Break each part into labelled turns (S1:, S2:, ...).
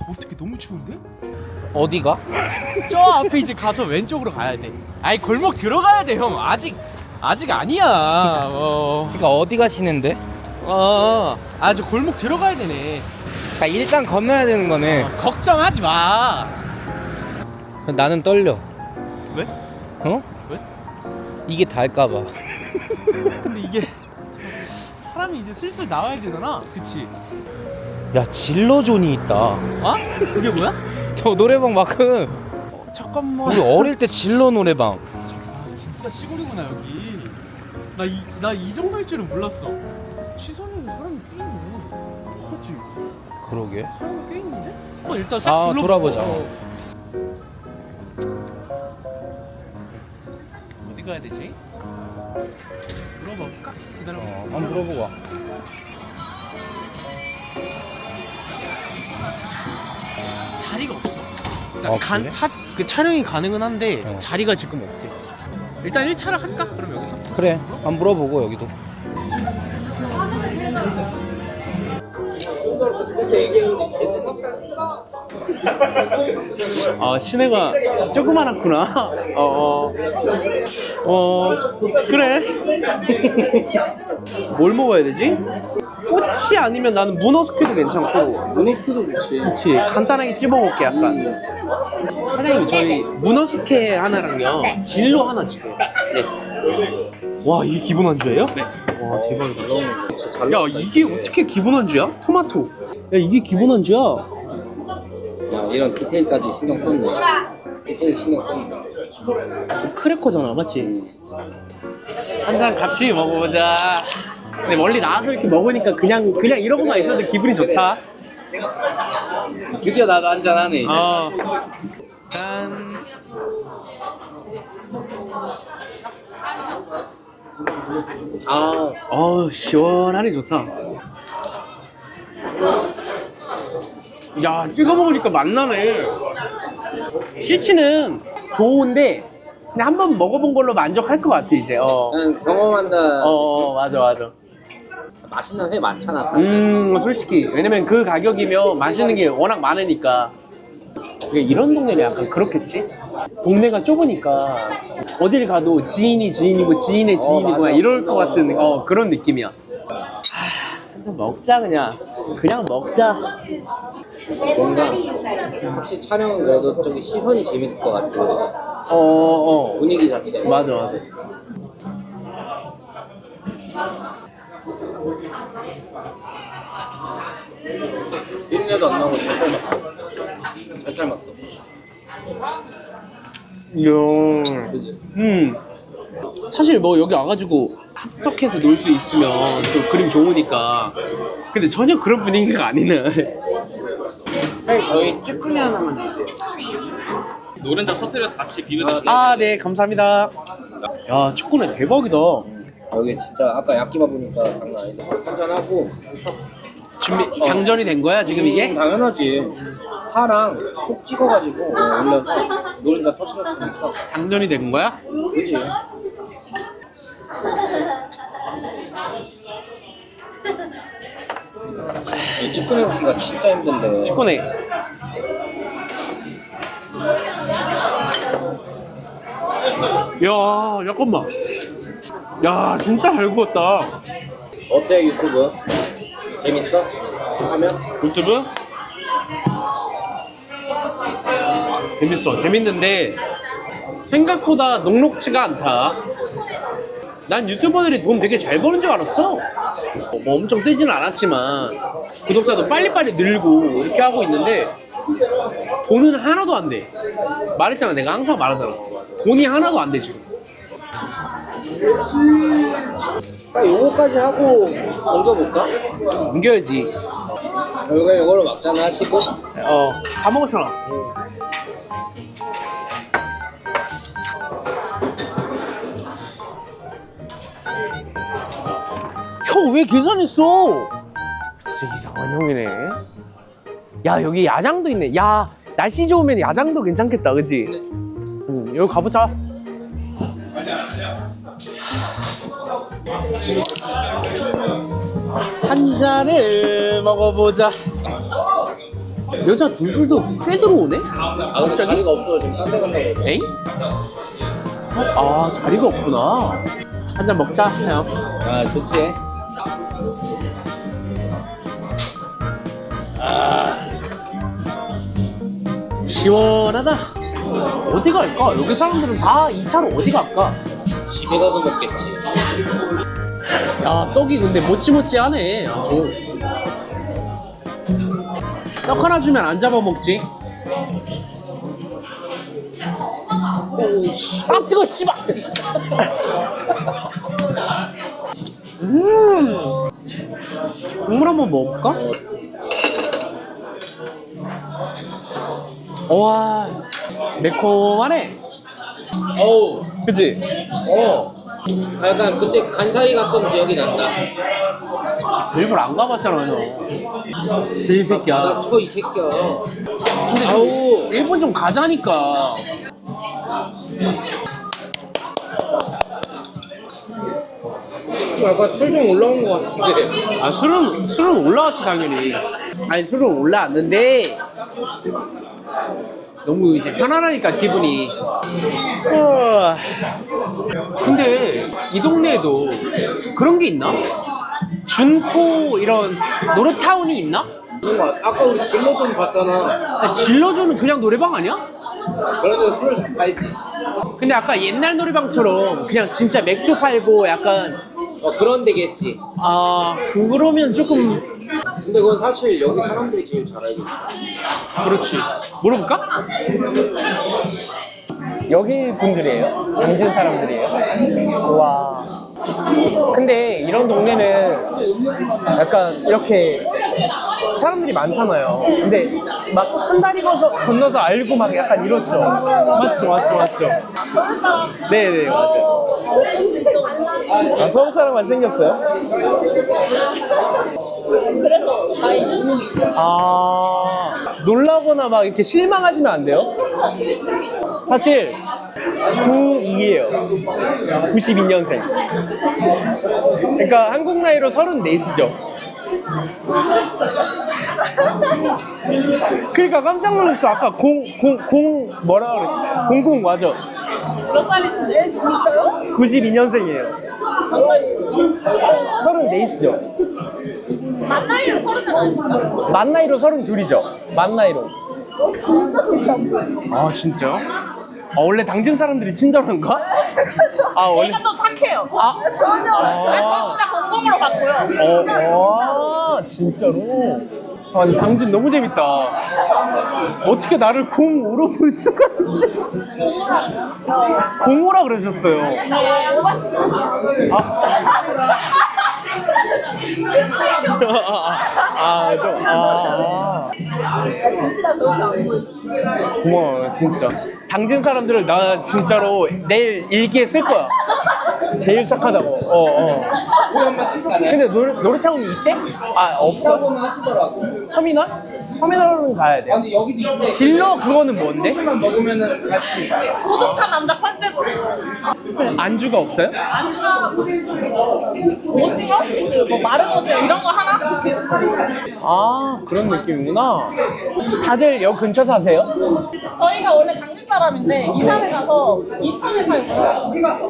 S1: 어떻게 너무 추운데?
S2: 어디가?
S1: 저 앞에 이제 가서 왼쪽으로 가야 돼. 아니 골목 들어가야 돼 형. 아직 아니야.
S2: 그러니까 어디 가시는데?
S1: 아주 골목 들어가야 되네.
S2: 그러니까 일단 건너야 되는 거네.
S1: 걱정하지 마.
S2: 나는 떨려.
S1: 왜?
S2: 어?
S1: 왜?
S2: 이게 닿을까봐.
S1: 근데 이게 사람이 이제 슬슬 나와야 되잖아. 그치?
S2: 야, 진로존이 있다.
S1: 어? 그게 뭐야?
S2: 저 노래방 마크.
S1: 잠깐만.
S2: 우리 어릴 때 진로 노래방.
S1: 진짜 시골이구나 여기. 나 이 정도일 줄은 몰랐어. 시선에는 사람이 꽤 있네. 그렇지?
S2: 그러게.
S1: 사람이 꽤 있는데? 일단 싹 둘러보고.
S2: 돌아보자.
S1: 어디 가야 되지? 물어볼까? 기다려.
S2: 한번 물어보고 와.
S1: 자리가 없어.
S2: 그래?
S1: 그 촬영이 가능은 한데
S2: 어.
S1: 자리가 지금 없대. 일단 1차를 할까? 그럼 여기서?
S2: 그래. 한번 물어보고 여기도.
S1: 시내가 조그만했구나. 그래. 뭘 먹어야 되지? 꼬치 아니면 나는 문어 스큐도 괜찮고. 문어 스큐도 좋지. 그치. 간단하게 찝어 먹게 약간. 사장님 저희 문어 스케 하나랑요. 진로 하나 주세요. 네. 와 이게 기본 안주예요? 네. 와 대박이다. 야 이게 어떻게 기본 안주야? 토마토. 야 이게 기본 안주야?
S3: 야, 이런 디테일까지 신경 썼네. 디테일 신경 썼네.
S1: 크래커잖아, 맞지? 한 잔 같이 먹어보자. 근데 멀리 나와서 이렇게 먹으니까 그냥 이러고만 있어도 기분이 좋다.
S3: 드디어 나도 한잔 하네 이제.
S1: 짠. 시원하니 좋다. 야, 찍어 먹으니까 맛나네. 실치는 좋은데 그냥 한번 먹어본 걸로 만족할 것 같아 이제.
S3: 그냥 경험한다.
S1: 맞아.
S3: 맛있는 회 많잖아 사실.
S1: 솔직히 왜냐면 그 가격이면 맛있는 게 워낙 많으니까. 이런 동네는 약간 그렇겠지? 동네가 좁으니까 어딜 가도 지인이 지인이고 지인의 지인이고
S3: 맞아.
S1: 이럴 것 같은 그런 느낌이야. 한잔 먹자 그냥 먹자.
S3: 뭔가 혹시 촬영은 그래도 저기 시선이 재밌을 것 같아. 분위기 자체.
S1: 맞아.
S3: 비린내도 안 나고 잘 삶았어. 잘 삶았어.
S1: 이야.
S3: 그지?
S1: 사실 뭐 여기 와가지고 합석해서 놀 수 있으면 또 그림 좋으니까. 근데 전혀 그런 분위기가 아니네.
S3: 사장님 저희 쭈꾸미 하나만 주세요.
S4: 노른자 터트려서 같이 비벼 드시면
S1: 네 감사합니다. 야 축구네 대박이다.
S3: 여기 진짜 아까 야끼바 보니까 장난 아니다. 한잔 하고.
S1: 준비 장전이 된 거야 지금 이게?
S3: 당연하지. 파랑 콕 찍어가지고 올려서 노른자 터뜨렸으니까.
S1: 장전이 된 거야?
S3: 그지? 이 쭈꾸미 먹기가 진짜 힘든데.
S1: 축구네. 야 잠깐만. 야 진짜 잘 구웠다.
S3: 어때 유튜브? 재밌어? 하면?
S1: 유튜브? 재밌는데 생각보다 녹록지가 않다. 난 유튜버들이 돈 되게 잘 버는 줄 알았어. 뭐 엄청 뜨지는 않았지만 구독자도 빨리빨리 늘고 이렇게 하고 있는데 돈은 하나도 안 돼. 말했잖아, 내가 항상 말하잖아. 돈이 하나도 안 돼 지금.
S3: 딱 요거까지 하고 옮겨볼까?
S1: 옮겨야지.
S3: 요거를 막잖아 하시고.
S1: 다 먹었잖아. 형 왜 계산했어? 진짜 이상한 형이네. 야 여기 야장도 있네. 야 날씨 좋으면 야장도 괜찮겠다, 그치? 여기 가보자. 한 잔을 먹어보자. 여자 둘둘도 꽤 들어오네?
S3: 아 근데 자리가 없어 지금 딴 데 간다고 그러죠.
S1: 엥? 아 자리가 없구나. 한 잔 먹자 형.
S3: 아 좋지.
S1: 시원하다. 어디 갈까? 여기 사람들은 다 2차로 어디 갈까?
S3: 집에 가서 먹겠지.
S1: 야 떡이 근데 모찌모찌하네 아주. 떡 하나 주면 안 잡아먹지. 아 뜨거 씨발. 국물 한번 먹어볼까? 와 매콤하네.
S3: 어우.
S1: 그치?
S3: 아, 약간 그때 간사이 갔던 기억이 난다.
S1: 일본 안 가봤잖아 형. 제이 새끼야.
S3: 나 저 이 새끼야.
S1: 근데 아우 일본 좀 가자니까.
S3: 약간 술 좀 올라온 것 같은데.
S1: 아 술은 올라왔지 당연히. 아니 술은 올라왔는데 너무 이제 편안하니까 기분이. 근데 이 동네에도 그런 게 있나? 준코 이런 노래타운이 있나?
S3: 그런 거 아까 우리 진로 좀 봤잖아.
S1: 아니, 질러주는 그냥 노래방 아니야?
S3: 그런데 술을 다 팔지.
S1: 근데 아까 옛날 노래방처럼 그냥 진짜 맥주 팔고 약간
S3: 그런 데겠지.
S1: 아 그러면 조금
S3: 근데 그건 사실 여기 사람들이 제일 잘 알고 있어.
S1: 그렇지. 물어볼까?
S5: 여기 분들이에요? 당진 사람들이에요? 와. 근데 이런 동네는 약간 이렇게 사람들이 많잖아요. 근데 막 한 다리 건너서 알고 막 약간 이렇죠. 맞죠. 네네, 맞아요. 아, 서울 사람만 생겼어요? 아, 놀라거나 막 이렇게 실망하시면 안 돼요? 사실 92예요. 92년생. 그러니까 한국 나이로 34시죠. 그러니까 깜짝 놀랐어. 아까 뭐라 그랬지? 00 맞아.
S6: 몇 살이신데? 진짜요?
S5: 92년생이에요. 34시죠.
S6: 만 나이로 30살 아닙니까?
S5: 만 나이로 32이죠. 만 나이로. 아 진짜요? 아, 원래 당진 사람들이 친절한가? 아 원래.
S6: 얘가 좀 착해요.
S5: 아
S6: 전혀. 저 진짜 공공으로 봤고요.
S5: 진짜로? 아, 당진 너무 재밌다. 어떻게 나를 05로 볼 수가 있지? 05라 그러셨어요. 고마워요, 진짜. 당진 사람들을 나 진짜로 내일 일기에 쓸 거야. 제일 착하다고. 근데 놀이타운이 있대? 아, 없어?
S3: 하시더라고.
S5: 터미널? 터미널은 가야 돼.
S3: 근데 여기도 있는데
S5: 진로 그거는 뭔데?
S3: 술만 먹으면은 갈 수 있대.
S6: 고독한 남자 컨셉으로.
S5: 안주가 없어요?
S6: 안주가 오징어? 뭐 마른 오징어 이런 거 하나?
S5: 아, 그런 느낌이구나. 다들 여기 근처 사세요?
S6: 저희가 원래 당진 사람인데 이사를 가서 인천에 살고요.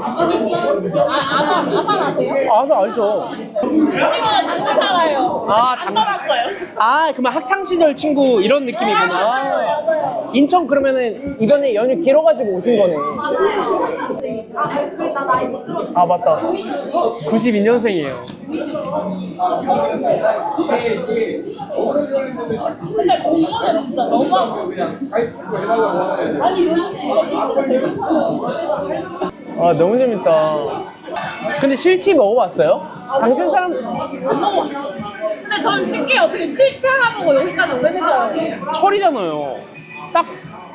S6: 아산 아세요?
S5: 아서 알죠.
S6: 지금 당진 살아요.
S5: 아,
S6: 안 떠났어요.
S5: 아, 그러면 학창시절 친구 이런 느낌이구나.
S6: 맞아요.
S5: 인천 그러면은 이번에 연휴 길어가지고 오신 거네.
S6: 나 나이 못 들었어.
S5: 아, 맞다. 92년생이에요.
S6: 근데 공부는 진짜 너무하고. 아니 요즘 진짜 재밌어.
S5: 아, 너무 재밌다. 근데 실치 먹어봤어요? 당진 사람
S6: 안 먹어봤어. 근데 전 신기해 어떻게 실치 하나 보고 여기까지 오신 줄 알았어요.
S5: 철이잖아요. 딱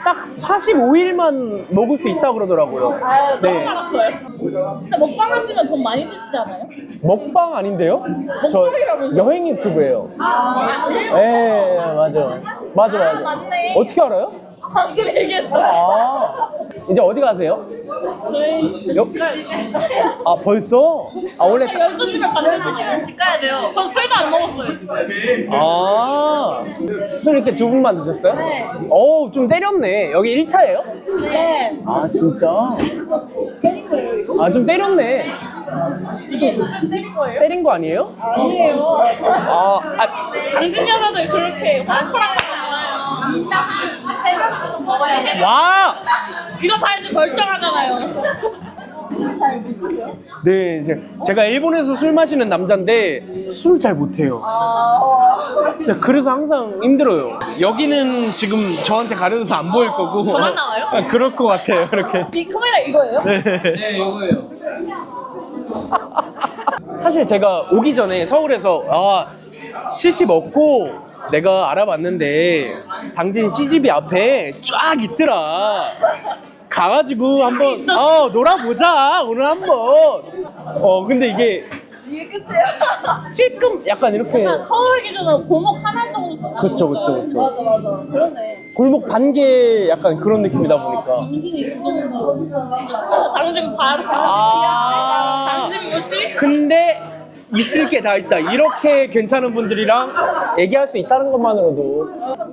S5: 45일만 먹을 수 있다고 그러더라고요.
S6: 아, 처음
S5: 네.
S6: 알았어요. 근데 먹방 하시면 돈 많이 쓰시지 않아요?
S5: 먹방 아닌데요?
S6: 먹방이라면서요?
S5: 여행 유튜브예요.
S6: 아,
S5: 네, 맞아.
S6: 아, 맞네.
S5: 어떻게 알아요?
S6: 방금 얘기했어요.
S5: 아, 이제 어디 가세요?
S6: 저희
S5: 여... 아 벌써? 아 원래
S6: 12시면 가는데 집 가야 돼요. 전 술도 안 먹었어요 지금.
S5: 술 이렇게 두 분만 드셨어요? 네. 어우 좀 때렸네. 여기 1차예요?
S6: 네.
S5: 아 진짜? 아 좀 때렸네.
S6: 이게 때린 거예요?
S5: 때린 거 아니에요?
S6: 아니에요.
S5: 아
S6: 당진 여자들 그렇게 호락호락하지 않아요. 세 명씩 먹어야 돼.
S5: 와!
S6: 이거 봐야지 멀쩡하잖아요.
S5: 네, 제가 일본에서 술 마시는 남자인데 술 잘 못해요. 그래서 항상 힘들어요. 여기는 지금 저한테 가려져서 안 보일 거고.
S6: 저만 나와요?
S5: 아, 그럴 것 같아요, 이렇게.
S6: 이 카메라 이거예요?
S5: 네.
S3: 네, 이거예요.
S5: 사실 제가 오기 전에 서울에서 실집 없고 내가 알아봤는데 당진 CGV 앞에 쫙 있더라. 가가지고 한번 놀아보자 오늘 한번. 근데 이게
S6: 끝이에요.
S5: 찔끔 약간 이렇게.
S6: 서울 기준으로 골목 하나 정도 쓰잖아.
S5: 그쵸.
S6: 맞아. 그러네.
S5: 골목 반개 약간 그런 느낌이다 보니까.
S6: 당진이 그 정도. 당진 바로. 당진 무시?
S5: 근데 있을 게 다 있다. 이렇게 괜찮은 분들이랑 얘기할 수 있다는 것만으로도.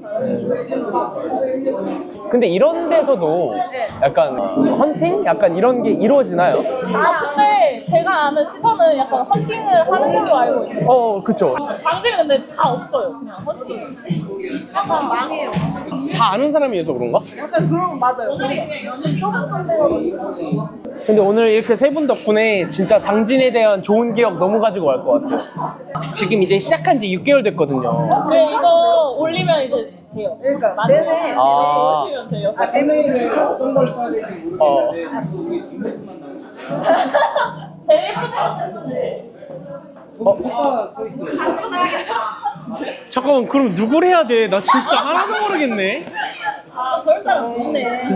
S5: 근데 이런 데서도 약간 헌팅? 약간 이런 게 이루어지나요?
S6: 근데 제가 아는 시선은 약간 헌팅을 하는 걸로 알고 있어요.
S5: 그쵸.
S6: 당진은 근데 다 없어요. 그냥 헌팅. 약간 망해요.
S5: 다 아는 사람이어서 그런가?
S6: 약간 그런 거 맞아요. 그냥 연애 조금 해가지고.
S5: 근데 오늘 이렇게 세 분 덕분에 진짜 당진에 대한 좋은 기억 너무 가지고 갈 것 같아요. 지금 이제 시작한 지 6개월 됐거든요.
S6: 네, 이거 올리면 이제 돼요. 그러니까 네네.
S5: 아.
S6: 올리면 돼요.
S3: 셀레이는 어떤 걸 써야 될지 모르겠는데 자꾸 우리 뒷모습만 나오고
S6: 제일 예쁘네.
S3: 소가 서 있어요.
S5: 잠깐만 그럼 누굴 해야 돼? 나 진짜 하나도 모르겠네.
S6: 아, 서울 사람 좋네.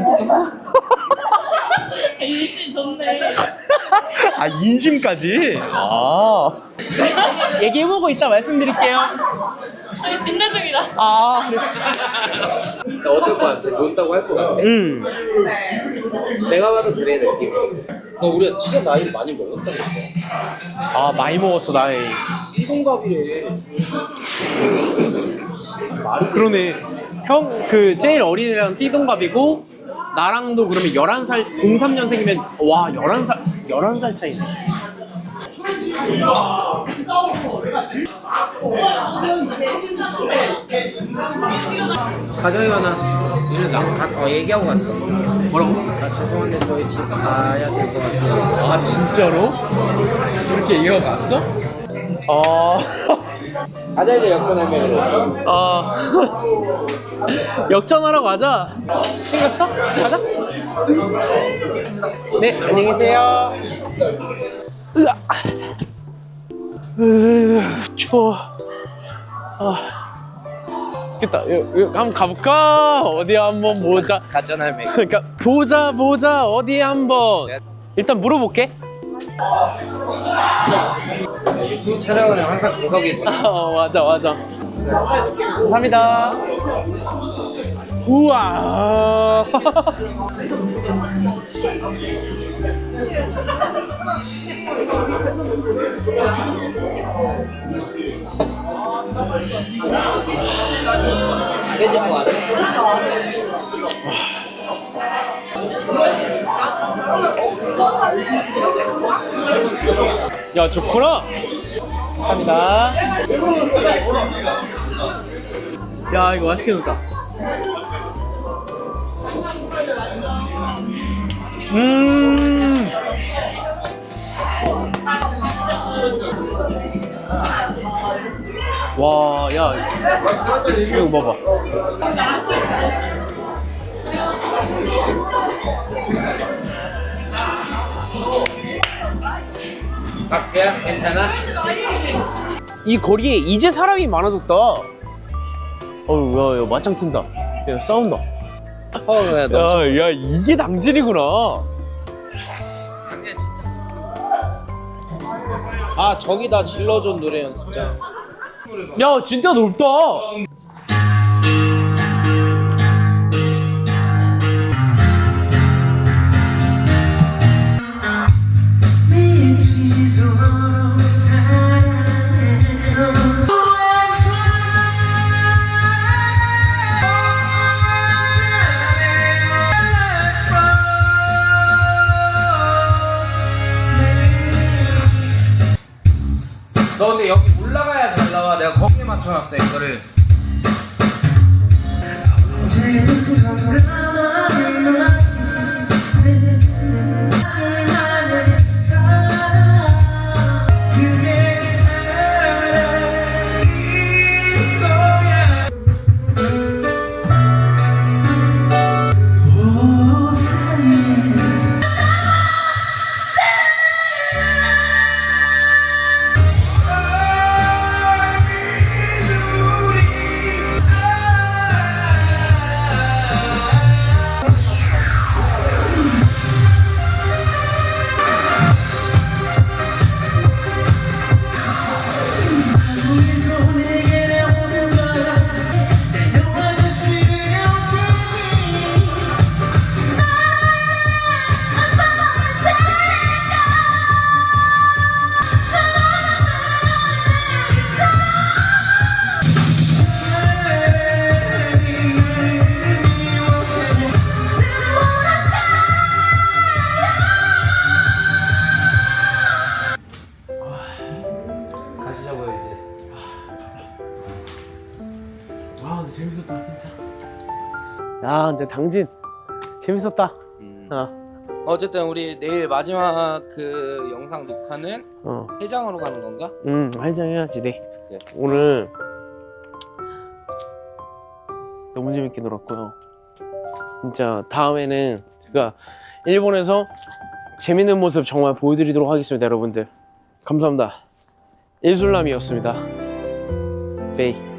S6: 인심 좋네.
S5: 아 인심까지? 얘기해보고 이따 말씀드릴게요.
S6: 아니, 진대 중이라.
S5: 그래.
S3: 나 어떨 것 같아? 논다고 할 것 같아? 내가 봐도 그래 느낌. 우리가 진짜 나이를 많이 먹었다니까.
S5: 많이 먹었어 나이.
S3: 이동갑이래.
S5: 그러네. 형 그 제일 어린 애랑 띠동갑이고 나랑도 그러면 11살 03년생이면 와 11살 차이네.
S3: 가정이 많아. 이래 나도 얘기하고 갔어.
S5: 뭐라고?
S3: 나 죄송한데 저희 집 가야 될 것 같아요.
S5: 아 진짜로? 그렇게 얘기하고 갔어?
S3: 가자 이제 역전하면.
S5: 역전하러 가자. 챙겼어? 가자. 네, 안녕히 계세요. 추워. 됐다. 여기 한번 가볼까? 어디 한번 보자.
S3: 가전할매.
S5: 그러니까 보자 어디 한번. 일단 물어볼게.
S3: 유튜브 촬영은 항상 구석에
S5: 맞아. 감사합니다. 우와.
S3: 깨질 것 같아.
S5: 야 좋구나. 감사합니다. 야 이거 맛있게 넣었다. 와, 야, 이거 봐봐.
S3: 박스야, 괜찮아?
S5: 이 거리에 이제 사람이 많아졌다. 야, 맞짱 튼다. 야, 싸운다. 야, 이게 당진이구나.
S3: 아, 저기다 질러준 노래 연습장.
S5: 야, 진짜 넓다.
S2: 맞춰놨어 이거를. 가시자고요 이제.
S5: 아 근데 재밌었다 진짜. 야 근데 당진 재밌었다.
S2: 어쨌든 우리 내일 마지막 그 영상 녹화는 해장으로 가는 건가?
S5: 해장해야지 네.
S2: 네.
S5: 오늘 너무 재밌게 놀았고요. 진짜 다음에는 제가 일본에서 재밌는 모습 정말 보여드리도록 하겠습니다. 여러분들 감사합니다. 일술남이었습니다. 베이.